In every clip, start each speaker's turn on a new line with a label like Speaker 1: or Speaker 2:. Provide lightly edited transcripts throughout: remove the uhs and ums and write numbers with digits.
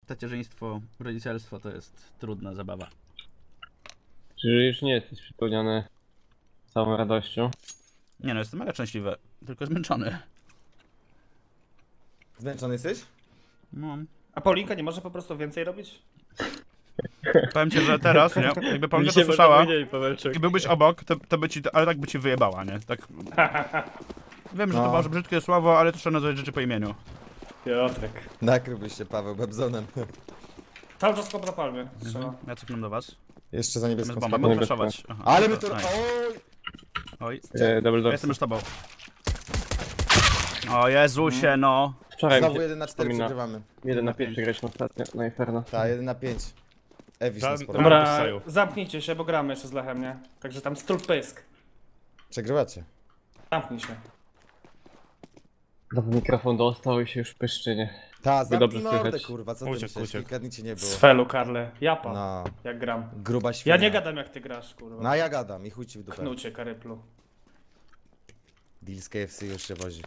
Speaker 1: tacierzyństwo, rodzicielstwo to jest trudna zabawa.
Speaker 2: Czy już nie jesteś przepełniony całą radością?
Speaker 1: Nie no, jestem mega szczęśliwy, tylko zmęczony.
Speaker 3: Zmęczony jesteś?
Speaker 1: No.
Speaker 4: A Paulinka nie może po prostu więcej robić?
Speaker 1: Powiem ci, że teraz, nie? Jakby Paulinka to słyszała
Speaker 2: Pawełczyk.
Speaker 1: i byłbyś obok, to by ci, ale tak by ci wyjebała, nie? Tak. Wiem, że to
Speaker 3: No.
Speaker 1: może brzydkie słowo, ale to trzeba nazwać rzeczy po imieniu.
Speaker 4: Piotrek.
Speaker 3: Nakryłbyś się, Paweł, Bebzonem.
Speaker 4: Cały czas kop na palmie strzela.
Speaker 1: Ja cofnę do was.
Speaker 3: Jeszcze za
Speaker 1: Zamiast
Speaker 3: niebieską
Speaker 1: bomba,
Speaker 3: spadł.
Speaker 1: mogę flashować. Aha.
Speaker 3: Ale my to...
Speaker 1: Nice.
Speaker 3: Oj!
Speaker 1: Oj,
Speaker 2: Double
Speaker 1: ja
Speaker 2: door.
Speaker 1: jestem już tobą. O Jezusie, no.
Speaker 2: Wczoraj mi
Speaker 3: Znowu
Speaker 2: się
Speaker 3: 1 na 4
Speaker 2: wspomina.
Speaker 3: przegrywamy.
Speaker 2: 1 na 5 graliśmy ostatnio na Inferno.
Speaker 3: Tak, 1 na 5. Ewiś
Speaker 5: Za-
Speaker 3: nas porwał.
Speaker 5: Dobra.
Speaker 4: Dobra,
Speaker 5: dostają.
Speaker 4: zamknijcie się, bo gramy jeszcze z Lechem, nie? Także tam strut pysk.
Speaker 3: Przegrywacie.
Speaker 4: Zamknij się.
Speaker 2: Znowu mikrofon dostał i się już pyszczy, nie?
Speaker 3: Ta,
Speaker 2: dobrze
Speaker 3: zamknij mordę,
Speaker 2: słychać.
Speaker 3: kurwa, co ty
Speaker 5: Uciekł,
Speaker 3: myślisz?
Speaker 5: uciekł.
Speaker 3: Kilka dni cię nie było.
Speaker 4: Z felu, Karle. Japa.
Speaker 3: No,
Speaker 4: Jak gram.
Speaker 3: gruba świnia.
Speaker 4: Ja nie gadam jak ty grasz, kurwa.
Speaker 3: No ja gadam i chuj ci w dupę.
Speaker 4: Knucie, karyplu.
Speaker 3: Deal z KFC już się wozi.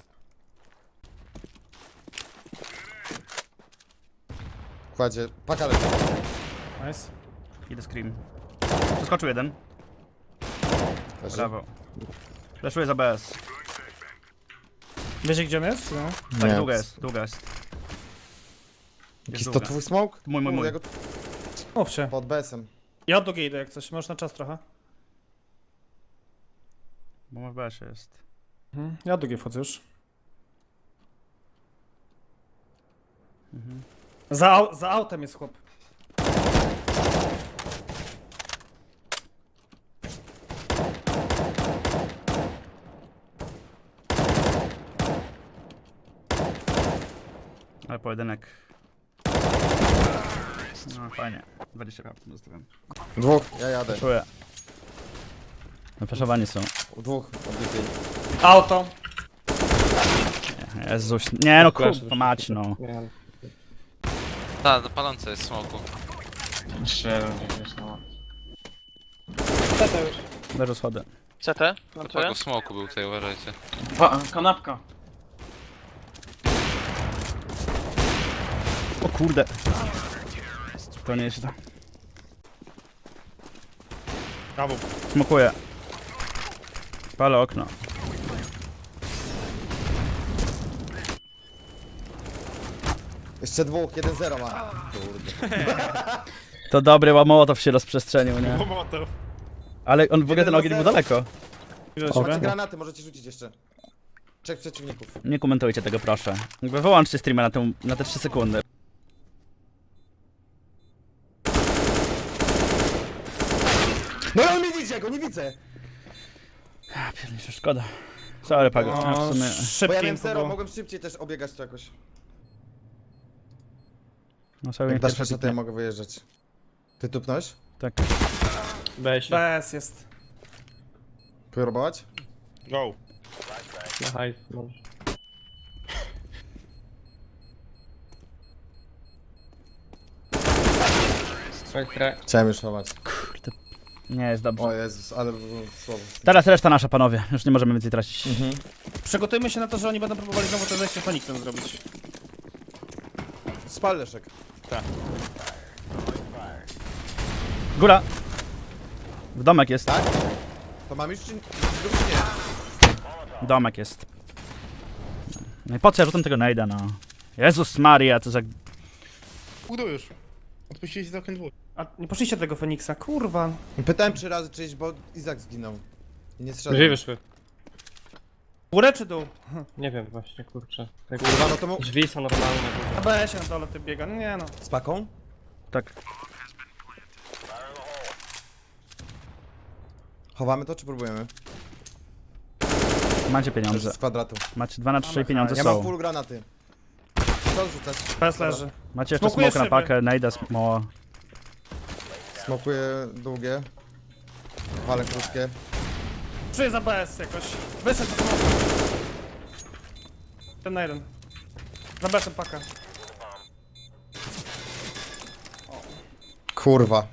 Speaker 3: Kładzie, paka leci.
Speaker 4: Nice.
Speaker 1: Idę scream. Przeskoczył jeden.
Speaker 3: Leży.
Speaker 1: Brawo. Flashuję za BS.
Speaker 4: Wiecie gdzie on jest? No.
Speaker 1: Tak,
Speaker 3: Nie.
Speaker 1: długa jest, długa jest.
Speaker 3: Jakiś to
Speaker 1: długa.
Speaker 3: twój smoke?
Speaker 1: Mój.
Speaker 3: Ja go
Speaker 4: Mówcie.
Speaker 3: pod BS-em.
Speaker 4: Ja od drugiej idę jak coś. Możesz na czas trochę.
Speaker 1: Bo ma w BS jest.
Speaker 4: Ja od drugiej wchodzę już. Za autem jest chłop.
Speaker 1: Ale pojedynek. No fajnie. 20 HP zostawiam.
Speaker 3: Dwóch, ja jadę.
Speaker 1: Czuję. Wyflaszowani są.
Speaker 3: Dwóch, odbiegli.
Speaker 4: Auto.
Speaker 1: Jezus. Nie no kurwa mać no.
Speaker 2: Nie, ale...
Speaker 6: Tak, palące jest smoku.
Speaker 1: Leżę schody.
Speaker 7: CT?
Speaker 6: To pago smoku był tutaj, uważajcie.
Speaker 7: Kanapka.
Speaker 1: O kurde. To nie jest to.
Speaker 5: Brawo.
Speaker 1: Smokuję. Palę okno.
Speaker 3: Jeszcze dwóch, 1-0 ma. Kurde.
Speaker 1: To dobry łamołotow się rozprzestrzenił, nie?
Speaker 5: Momotow.
Speaker 1: Ale on w ogóle ten ogień był daleko.
Speaker 3: Macie granaty, możecie rzucić jeszcze. Trzech przeciwników.
Speaker 1: Nie komentujcie tego proszę. Jakby wyłączcie streama na te 3 sekundy.
Speaker 3: No ale nie widzę go, nie widzę!
Speaker 1: A piernicze, szkoda. Sorry Pago. A, w sumie...
Speaker 3: Bo ja
Speaker 4: Szybki
Speaker 3: miałem 0,
Speaker 4: było.
Speaker 3: mogłem szybciej też obiegać to jakoś.
Speaker 1: No sobie
Speaker 3: Jak dasz
Speaker 1: pierwsza
Speaker 3: jeszcze, to ja mogę wyjeżdżać. Ty tupnąłeś?
Speaker 1: Tak.
Speaker 2: Weź się.
Speaker 4: BS jest.
Speaker 3: Próbować?
Speaker 5: Go.
Speaker 2: Na hajs możesz.
Speaker 3: Chciałem już chować.
Speaker 1: Nie jest dobrze.
Speaker 3: O Jezus, ale było słowo.
Speaker 1: Teraz reszta nasza panowie. Już nie możemy więcej tracić.
Speaker 4: Przygotujmy się na to, że oni będą próbowali znowu to zejście Feniksem zrobić.
Speaker 3: Spal Leszek.
Speaker 1: Góra. W domek jest.
Speaker 3: Tak? To mam już czy nie?
Speaker 1: Domek jest. No i po co ja rzucam tego najda, no. Jezus Maria, co za...
Speaker 5: Udo już. Odpuściliście całkiem dwóch.
Speaker 4: A nie poszliście do tego Feniksa, kurwa.
Speaker 3: Pytałem 3 razy czyś, bo Izak zginął. I nie
Speaker 2: Gdzie
Speaker 3: strzelał.
Speaker 2: wyszły?
Speaker 4: Górę czy dół?
Speaker 2: Nie wiem właśnie, kurczę. Tak,
Speaker 3: Kurwa, no to mu...
Speaker 2: drzwi są normalne.
Speaker 4: Na BS-ie na dole ty biega, no nie no.
Speaker 3: Z paką?
Speaker 1: Tak.
Speaker 3: Chowamy to, czy próbujemy?
Speaker 1: Macie
Speaker 3: Dobrze,
Speaker 1: pieniądze.
Speaker 3: z kwadratu.
Speaker 1: Macie 2 na 3 pieniądze
Speaker 3: Ja mam
Speaker 1: są.
Speaker 3: full granaty. Co rzucać?
Speaker 4: BS leży.
Speaker 1: Macie jeszcze
Speaker 4: Smokuję
Speaker 1: smoke na
Speaker 4: szyby.
Speaker 1: pakę, najda smoła.
Speaker 3: Smokuję długie. Wale krótkie.
Speaker 4: Czuję za BS jakoś. Wyszedł do smoku. Ten na jeden. Za BS-em paka.
Speaker 3: Kurwa.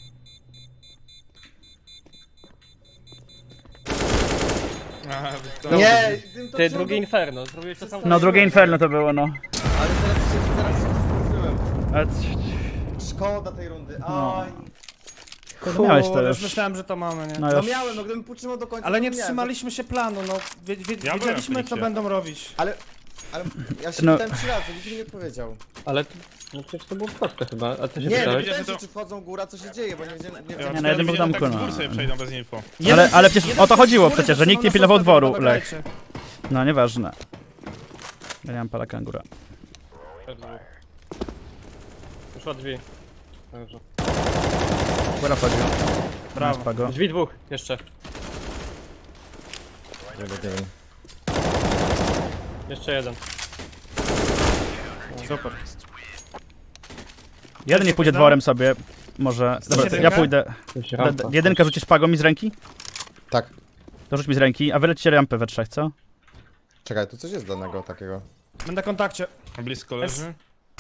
Speaker 3: Nie!
Speaker 2: Ty, drugie Inferno, zrobiłeś to samo.
Speaker 1: No drugie inferno to było, no.
Speaker 3: Ale teraz się zgubiłem.
Speaker 1: Ale
Speaker 3: Szkoda tej rundy.
Speaker 1: No.
Speaker 3: Oj.
Speaker 1: kurde, miałeś to
Speaker 4: Kurde,
Speaker 1: już.
Speaker 4: myślałem, że to mamy, nie?
Speaker 1: No
Speaker 3: No
Speaker 1: już.
Speaker 3: miałem, no gdybym utrzymał do końca.
Speaker 4: Ale
Speaker 3: to
Speaker 4: nie
Speaker 3: miałem.
Speaker 4: trzymaliśmy się planu, no.
Speaker 5: byłem
Speaker 4: Wiedzieliśmy
Speaker 5: w
Speaker 4: co
Speaker 5: Feniksie.
Speaker 4: będą robić.
Speaker 3: Ale ja się
Speaker 1: No.
Speaker 3: pytałem 3 razy, nikt mi nie odpowiedział.
Speaker 2: Ale no przecież to było proste chyba, a ty się
Speaker 3: Nie, no
Speaker 2: pytałeś?
Speaker 3: pytałem
Speaker 5: że
Speaker 3: się,
Speaker 5: to-
Speaker 3: czy wchodzą góra, co się dzieje, bo nie wiedziałem. Nie
Speaker 5: Ja
Speaker 3: wiedziałem.
Speaker 1: na jednym
Speaker 5: wiedziałem,
Speaker 1: domku,
Speaker 5: tak z
Speaker 1: no.
Speaker 5: góry sobie przejdą bez info.
Speaker 1: Ale przecież o to chodziło
Speaker 4: Jeden
Speaker 1: przecież, że nikt nie
Speaker 4: na
Speaker 1: pilnował
Speaker 4: szóstkę,
Speaker 1: dworu,
Speaker 4: dobra,
Speaker 1: Lech.
Speaker 4: grajcie.
Speaker 1: No nieważne. Ja nie mam pala kangura.
Speaker 2: Poszła drzwi. Dobrze.
Speaker 1: Góra wchodził.
Speaker 4: Brawo.
Speaker 1: Nice, Pago.
Speaker 2: Drzwi dwóch, jeszcze. Jeszcze jeden.
Speaker 4: Super.
Speaker 1: Jeden nie pójdzie dworem sobie. Może. Dobra,
Speaker 4: jedynka?
Speaker 1: ja pójdę.
Speaker 2: Coś rampa.
Speaker 1: Jedynkę rzucisz Pago mi z ręki?
Speaker 3: Tak.
Speaker 1: To rzuć mi z ręki, a wy lecicie rampę we trzech, co?
Speaker 3: Czekaj, tu coś jest danego takiego.
Speaker 4: Będę na kontakcie.
Speaker 5: Blisko leży.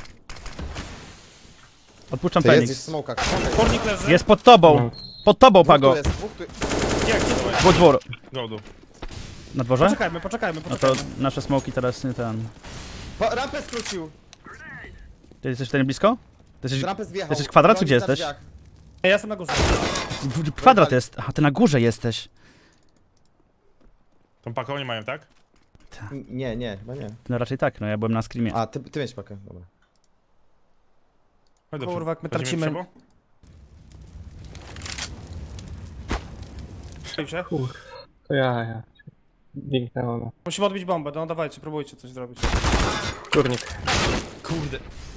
Speaker 1: Odpuszczam
Speaker 3: Ty jest
Speaker 1: Feniks.
Speaker 3: gdzieś w smokach.
Speaker 4: Kurnik leży.
Speaker 1: Jest pod tobą! Pod tobą,
Speaker 3: Dwóch
Speaker 1: Pago!
Speaker 3: tu jest, dwóch tu...
Speaker 4: Gdzie to jest?
Speaker 1: Dwór, dwór.
Speaker 5: Gołdu.
Speaker 1: Na dworze?
Speaker 4: Poczekajmy.
Speaker 1: No to nasze smoki teraz nie ten.
Speaker 3: Rampę skrócił!
Speaker 1: Ty jesteś tutaj blisko? Ty
Speaker 3: Z
Speaker 1: jesteś...
Speaker 3: rampę zjechał.
Speaker 1: jesteś kwadrat, czy
Speaker 3: Broni
Speaker 1: gdzie
Speaker 3: na
Speaker 1: jesteś?
Speaker 3: drzwiach.
Speaker 4: Ja jestem na górze.
Speaker 1: Kwadrat jest. Aha, ty na górze jesteś.
Speaker 5: Tą paką nie mają, tak?
Speaker 3: Nie, chyba nie.
Speaker 1: No raczej tak, no ja byłem na screamie.
Speaker 3: A, ty miałeś pakę, dobra.
Speaker 5: Chodź do
Speaker 4: Kurwa, jak my
Speaker 5: chodzimy
Speaker 4: tracimy.
Speaker 5: przebo?
Speaker 4: Stoję się.
Speaker 2: To ja. Dzięknęło no.
Speaker 4: Musimy odbić bombę, no dawajcie, próbujcie coś zrobić.
Speaker 2: Kurnik.
Speaker 5: Kurde.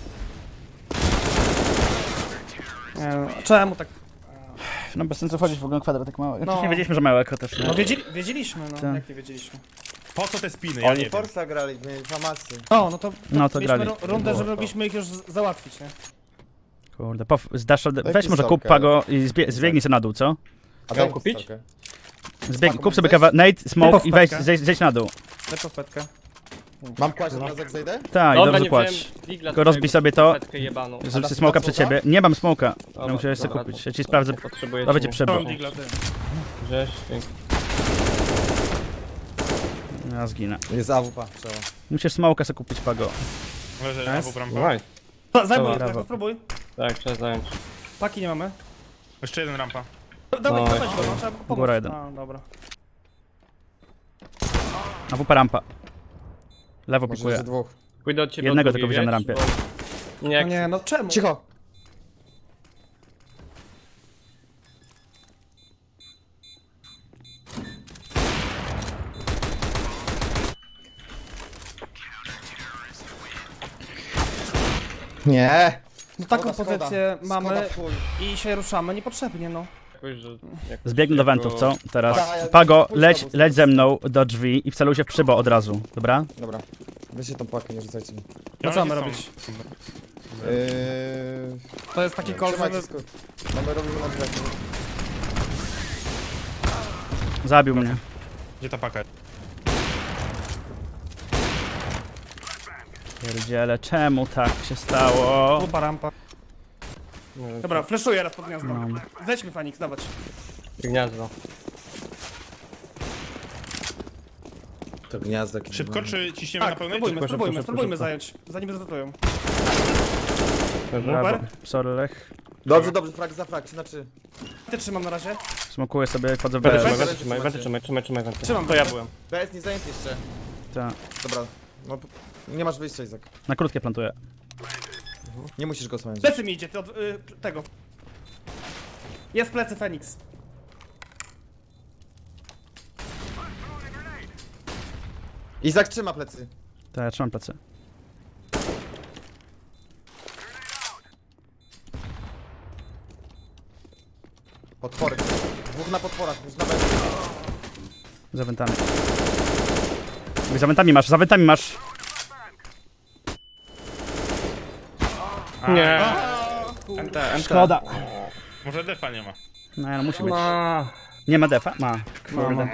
Speaker 4: Nie, no, czemu tak?
Speaker 1: No bez sensu wchodzić w ogóle kwadrat tak mały.
Speaker 4: No.
Speaker 1: Nie wiedzieliśmy, że małe eko też.
Speaker 4: No wiedzieliśmy, no.
Speaker 1: Tak.
Speaker 4: Jak nie wiedzieliśmy?
Speaker 5: Po co te spiny? Ja nie
Speaker 3: Oni
Speaker 5: wiem.
Speaker 3: Forza grali, mieli informacje.
Speaker 4: O, no to,
Speaker 1: No to
Speaker 4: mieliśmy
Speaker 1: grali.
Speaker 4: rundę, żeby mogliśmy ich już załatwić, nie?
Speaker 1: Kurde, zdasz radę. Weź
Speaker 3: Jaki
Speaker 1: może kup
Speaker 3: stalker?
Speaker 1: Pago i zbiegnij sobie na dół, co?
Speaker 3: A
Speaker 2: Chciałem
Speaker 3: daj
Speaker 2: kupić?
Speaker 3: stalkę.
Speaker 1: Kup sobie
Speaker 3: weź.
Speaker 1: Nate, smoke i wejdź,
Speaker 4: Powpetkę.
Speaker 1: zejdź na dół.
Speaker 4: Lecz petkę.
Speaker 3: Mam kłaść od razu jak zejdę?
Speaker 1: Tak, i
Speaker 2: Dobra,
Speaker 1: dobrze
Speaker 2: nie
Speaker 1: płać.
Speaker 2: wziąłem digla
Speaker 1: Tylko rozbij sobie to.
Speaker 2: petkę jebaną.
Speaker 1: Zrób
Speaker 3: dasz
Speaker 1: sobie smoka
Speaker 3: mi
Speaker 1: przed
Speaker 3: smoka?
Speaker 1: ciebie. Nie mam smoka.
Speaker 2: Dobra,
Speaker 1: Ja muszę sobie
Speaker 2: dobra,
Speaker 1: kupić. Ja ci sprawdzę.
Speaker 2: Nie potrzebuję
Speaker 1: Dawajcie
Speaker 2: cię.
Speaker 1: przebo.
Speaker 4: Mam digla, ty.
Speaker 2: Gdzieś, dzięki.
Speaker 1: Ja zginę.
Speaker 3: Jest AWP, trzeba.
Speaker 1: Musisz smoka sobie kupić, Pago.
Speaker 5: Leży na brampa.
Speaker 2: Nice.
Speaker 4: Zajmuj,
Speaker 1: Brawo.
Speaker 4: spróbuj.
Speaker 2: Tak, trzeba zająć.
Speaker 4: Paki nie mamy.
Speaker 5: Jeszcze jeden rampa.
Speaker 4: Dawaj,
Speaker 2: No,
Speaker 4: dawaj go, no, trzeba pomóc.
Speaker 1: Góra jeden.
Speaker 4: A, dobra.
Speaker 1: A WP rampa. Lewo
Speaker 3: Może
Speaker 1: pikuje.
Speaker 3: jeszcze dwóch.
Speaker 2: Pójdę od ciebie
Speaker 1: Jednego
Speaker 2: od
Speaker 1: tylko
Speaker 2: drugiej,
Speaker 1: wziąłem na
Speaker 2: wiesz,
Speaker 1: rampie.
Speaker 2: bo- Nie,
Speaker 4: No
Speaker 2: jak
Speaker 4: nie, no czemu?
Speaker 3: Cicho! Nie!
Speaker 4: No taką
Speaker 3: Szkoda,
Speaker 4: pozycję
Speaker 3: szkoda.
Speaker 4: mamy
Speaker 3: Szkoda w chuj.
Speaker 4: i się ruszamy niepotrzebnie, no.
Speaker 2: jakoś, że...
Speaker 1: Zbiegnę do wentów, co? Teraz.
Speaker 3: Tak, ja-
Speaker 1: Pago,
Speaker 3: pójdź
Speaker 1: leć,
Speaker 3: z tobą,
Speaker 1: leć ze mną do drzwi i wceluj się w przybo od razu, dobra?
Speaker 3: Dobra. Weźcie tą pakę, nie rzucajcie mi.
Speaker 4: No co mamy
Speaker 5: Są.
Speaker 4: robić?
Speaker 3: Yy...
Speaker 4: To jest taki call,
Speaker 3: Trzymajcie
Speaker 4: żeby...
Speaker 3: skrót. Mamy robimy na drzwiach.
Speaker 1: Zabił mnie.
Speaker 5: Gdzie ta paka?
Speaker 1: Pierdziele, czemu tak się stało?
Speaker 4: Pupa, rampa. Dobra, fleszuję raz pod gniazdo.
Speaker 1: No.
Speaker 4: Zejdźmy Fanix, dawać.
Speaker 2: Gniazdo.
Speaker 3: To gniazdo jakieś.
Speaker 5: Szybko czy ciśniemy na
Speaker 4: Tak,
Speaker 5: pełnej?
Speaker 4: spróbujmy,
Speaker 5: czy-
Speaker 4: spróbujmy,
Speaker 2: szybko,
Speaker 4: spróbujmy
Speaker 2: szybko.
Speaker 4: zająć, zanim zatotują.
Speaker 1: Brawo. Sorry, Lech.
Speaker 3: Dobrze, frag za frag, znaczy...
Speaker 4: Ty trzymam na razie.
Speaker 1: Smokuję sobie, wchodzę w
Speaker 2: Będę
Speaker 1: BS.
Speaker 2: trzymaj,
Speaker 3: Bez.
Speaker 2: trzymaj.
Speaker 4: Trzymam,
Speaker 2: To ja byłem.
Speaker 3: BS nie zajęty jeszcze.
Speaker 1: Tak.
Speaker 3: Dobra. No, nie masz wyjścia, Izak.
Speaker 1: Na krótkie plantuję.
Speaker 3: Nie musisz go osłaniać.
Speaker 4: Plecy mi idzie, ty od tego. Jest plecy Feniks.
Speaker 3: Izak trzyma plecy.
Speaker 1: Tak, ja trzymam plecy.
Speaker 3: Potwory. Dwóch na potworach, już na BS.
Speaker 1: Za wentami. Za wentami masz.
Speaker 2: Nie.
Speaker 4: NT.
Speaker 1: Szkoda.
Speaker 5: Może defa nie ma.
Speaker 1: No, musi być.
Speaker 2: Ma.
Speaker 1: Nie ma defa? Ma.
Speaker 4: No.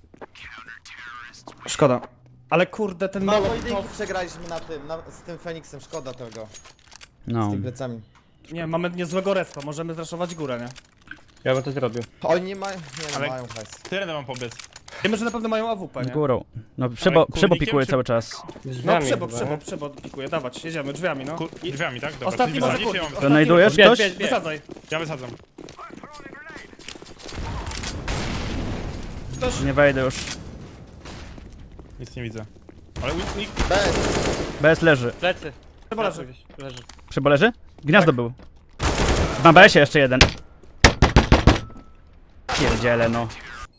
Speaker 4: Szkoda. Ale kurde, ten
Speaker 3: Mało
Speaker 4: mało...
Speaker 3: pojedynków przegraliśmy na tym, z tym Feniksem, szkoda tego.
Speaker 1: No.
Speaker 3: Z tymi plecami.
Speaker 4: Nie, mamy niezłego respa, możemy zraszować górę, nie?
Speaker 2: Ja bym to zrobił.
Speaker 3: Oni nie mają, nie
Speaker 5: Ale-
Speaker 3: mają hajs.
Speaker 5: Tyle mam pobiec.
Speaker 4: Wiemy, że na pewno mają AWP, nie?
Speaker 1: Górą. No
Speaker 5: Ale
Speaker 1: przebo
Speaker 5: kurnikiem
Speaker 1: pikuje
Speaker 5: czy-
Speaker 1: cały czas.
Speaker 4: No
Speaker 2: Drzwiami
Speaker 4: przebo
Speaker 2: chyba, nie?
Speaker 4: pikuje, dawać, jedziemy, drzwiami, no.
Speaker 5: Drzwiami, tak? Dobra,
Speaker 4: Ostatni
Speaker 5: ty
Speaker 4: może
Speaker 5: wysadzisz, ja
Speaker 4: kurnik.
Speaker 5: mam...
Speaker 1: Znajdujesz
Speaker 2: Bierz,
Speaker 1: ktoś?
Speaker 2: bierz, bierz.
Speaker 4: Wysadzaj.
Speaker 5: Ja wysadzam.
Speaker 1: Nie wejdę już.
Speaker 5: Nic nie widzę. Ale nikt...
Speaker 3: Bez.
Speaker 1: BS leży.
Speaker 2: Plecy.
Speaker 4: Chyba leży.
Speaker 2: Gdzieś leży.
Speaker 1: Przybo leży? Gniazdo był. Na BS-ie jeszcze jeden. Pierdziele no.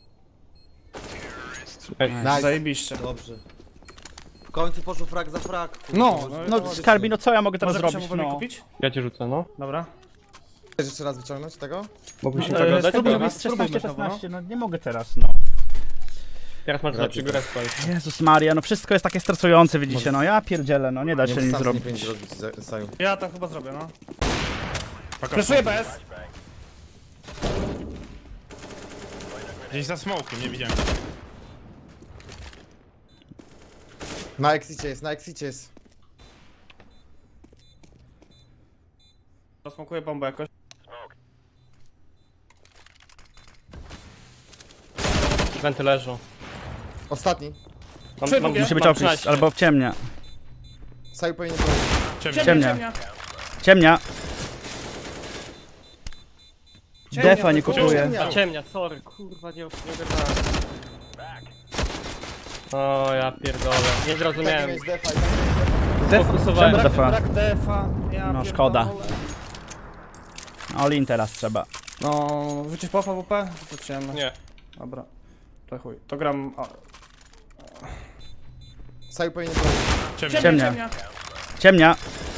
Speaker 2: Ej,
Speaker 3: Nice.
Speaker 4: Zajebiście.
Speaker 3: Dobrze. W końcu poszło frag za frag.
Speaker 4: No,
Speaker 1: No Skarbi, no co ja mogę teraz
Speaker 4: Może
Speaker 1: zrobić,
Speaker 4: no.
Speaker 1: no.
Speaker 4: kupić?
Speaker 2: ja cię rzucę, no.
Speaker 4: Dobra.
Speaker 3: Chcesz jeszcze raz wyciągnąć tego?
Speaker 2: Mógłbyś się
Speaker 1: Ale
Speaker 2: tego dać?
Speaker 1: spróbuj
Speaker 2: Dobra.
Speaker 1: robić
Speaker 4: Spróbujmy
Speaker 1: 16, no nie mogę teraz, no.
Speaker 2: Teraz masz lepszy respa już.
Speaker 1: Jezus Maria, no wszystko jest takie stresujące, widzicie, no ja pierdzielę, no nie da się nic
Speaker 3: sam
Speaker 1: zrobić.
Speaker 3: nie powinien zrobić, Saju.
Speaker 4: Ja to chyba zrobię, no.
Speaker 5: Paka
Speaker 4: Fleszuję bez.
Speaker 5: Gdzieś za smokiem, nie widziałem.
Speaker 3: Na exicie jest, na exicie jest.
Speaker 4: Rozsmokuję bombę jakoś.
Speaker 2: Wenty leżą.
Speaker 3: Ostatni.
Speaker 1: Musi być
Speaker 2: mam
Speaker 1: opis,
Speaker 2: 13.
Speaker 1: albo w ciemnia.
Speaker 3: Saju powinien zrobić.
Speaker 5: Ciemnie.
Speaker 1: Ciemnia. Ciemnia. Defa nie
Speaker 4: tylko-
Speaker 1: kupuje.
Speaker 2: A ciemnia, sorry, kurwa, nie ogarnąłem. O, ja pierdolę. Nie
Speaker 3: Tak,
Speaker 2: zrozumiałem.
Speaker 3: miałeś defa i
Speaker 2: Fokusowałem.
Speaker 1: Czemu defa?
Speaker 4: Brak defa. Ja
Speaker 1: No,
Speaker 4: pierdolę.
Speaker 1: szkoda. All-in teraz trzeba.
Speaker 4: No, rzucisz po AWP? To ciemno.
Speaker 2: Nie.
Speaker 4: Dobra. To chuj. To gram...
Speaker 3: Saju powinien zrobić.
Speaker 5: Ciemnie.
Speaker 1: Ciemnia. Ciemnia.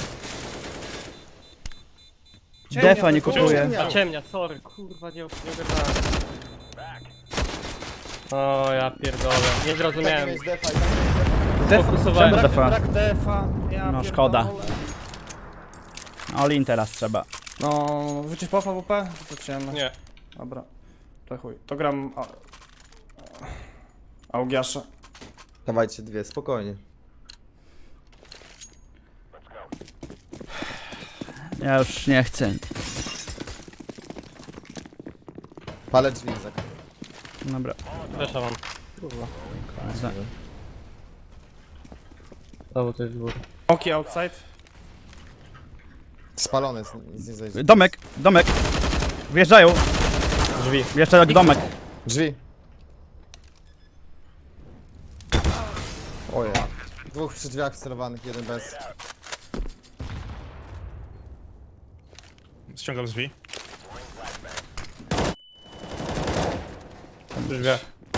Speaker 1: Defa nie
Speaker 4: tylko-
Speaker 1: kupuje.
Speaker 2: A ciemnia, sorry, kurwa, nie ogarnąłem. O, ja pierdolę. Nie
Speaker 3: Tak,
Speaker 2: zrozumiałem.
Speaker 3: miałeś defa i
Speaker 2: Fokusowałem.
Speaker 1: Czemu defa?
Speaker 4: Brak defa. Ja
Speaker 1: No,
Speaker 4: pierdolę.
Speaker 1: szkoda. All-in teraz trzeba.
Speaker 4: No, rzucisz po AWP? To ciemno.
Speaker 2: Nie.
Speaker 4: Dobra. To chuj. To gram... Augiasza.
Speaker 3: Dawajcie dwie, spokojnie.
Speaker 1: Ja już nie chcę.
Speaker 3: Palę drzwi, Izak.
Speaker 1: Dobra.
Speaker 2: Flesza mam. Kurwa.
Speaker 1: Za-
Speaker 2: Znowu to jest góry.
Speaker 4: Oki outside.
Speaker 3: Spalony jest, nic nie zajdzie.
Speaker 1: Domek, domek. Wjeżdżają.
Speaker 2: Drzwi.
Speaker 1: Jeszcze jak domek.
Speaker 3: Drzwi. Ojej. Dwóch przy drzwiach wcelowanych, jeden bez.
Speaker 5: Ściągam drzwi.
Speaker 2: Przy drzwiach.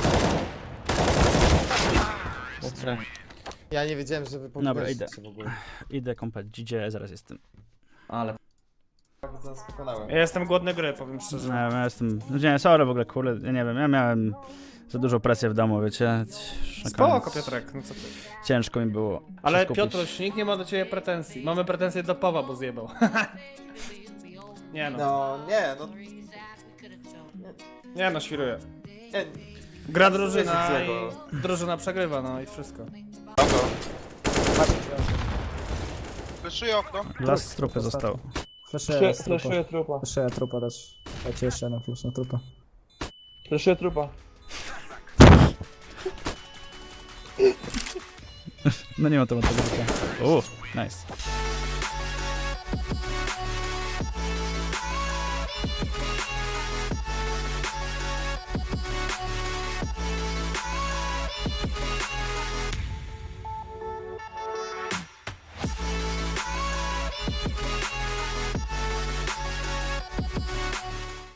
Speaker 2: Okej.
Speaker 3: Ja nie wiedziałem, że wy
Speaker 1: Dobra, idę.
Speaker 3: się w ogóle.
Speaker 1: Idę komplet, gdzie zaraz jestem.
Speaker 4: Ale...
Speaker 3: Zaraz pokonałem.
Speaker 4: Ja jestem głodny gry, powiem szczerze.
Speaker 1: Nie, ja jestem. Nie, sorry w ogóle, kurde, ja nie wiem, ja miałem za dużą presję w domu, wiecie. Na
Speaker 4: Spoko,
Speaker 1: koniec
Speaker 4: Piotrek, no co ty.
Speaker 1: Ciężko mi było.
Speaker 4: Ale
Speaker 1: się skupić.
Speaker 4: Piotruś, nikt nie ma do ciebie pretensji. Mamy pretensje do Pawła, bo zjebał. Nie no.
Speaker 3: No, nie, no.
Speaker 4: Nie no, świruję.
Speaker 3: Nie,
Speaker 4: Gra drużyna
Speaker 3: Nic
Speaker 4: i
Speaker 3: złego.
Speaker 4: drużyna przegrywa, no i wszystko.
Speaker 7: Fleszuję okno.
Speaker 1: Las z trupy został.
Speaker 7: Fleszuję trupa.
Speaker 8: Fleszuję trupa też. Dajcie jeszcze jeden flash na trupa.
Speaker 7: Fleszuję trupa.
Speaker 1: No nie ma to. Nice.